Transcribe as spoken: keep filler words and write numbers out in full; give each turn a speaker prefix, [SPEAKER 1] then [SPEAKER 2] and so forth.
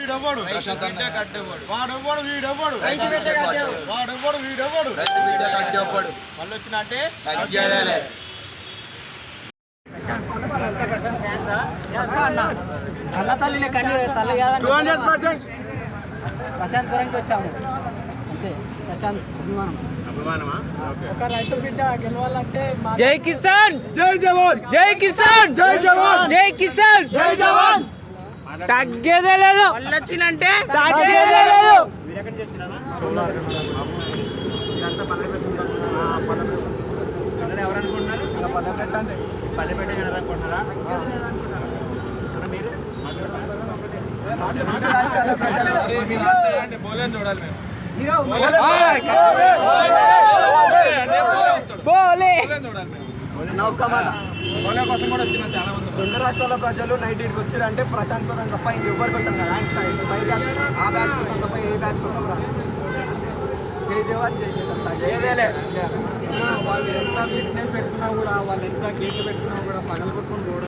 [SPEAKER 1] వీడెవడు
[SPEAKER 2] ప్రశాంత్ అన్న కట్టేవాడు
[SPEAKER 1] వాడెవడు వీడెవడు
[SPEAKER 3] రైతు బిడ్డ కట్టేవాడు
[SPEAKER 1] వాడెవడు వీడెవడు
[SPEAKER 2] రైతు బిడ్డ కట్టేవాడు
[SPEAKER 1] మళ్ళీ వచ్చిన అంటే
[SPEAKER 2] తగ్గేదేలే
[SPEAKER 3] అన్న తల్లిని కన్నీ తల్లి కాదని ప్రశాంత్ పురంకి వచ్చాము అంతే. ప్రశాంత్ అభిమానం ఒక రైతు బిడ్డ గెలవాలంటే
[SPEAKER 4] జై కిసాన్
[SPEAKER 1] జై జవాన్
[SPEAKER 4] జై కిసాన్
[SPEAKER 1] జై జవాన్
[SPEAKER 4] జై కిసాన్
[SPEAKER 1] జై జవాన్
[SPEAKER 4] తగ్గేదే లేదు
[SPEAKER 3] వచ్చినంటే
[SPEAKER 4] తగ్గేదే లేదు.
[SPEAKER 3] రెండు రాష్ట్రాల ప్రజలు నైట్ ఇటుకు వచ్చారంటే ప్రశాంత్ పురం తప్ప ఇంకెవ్వరి కోసం కదా. ఆయన పై బ్యాచ్ ఆ బ్యాచ్ కోసం తప్ప ఏ బ్యాచ్ కోసం రాదు. జై జవాన్ జై కిసాన్ ఏదేలే వాళ్ళు ఎంత ఫిట్నెస్ పెట్టుకున్నా కూడా వాళ్ళు ఎంత గేట్లు పెట్టుకున్నా కూడా పగలగొట్టుకుని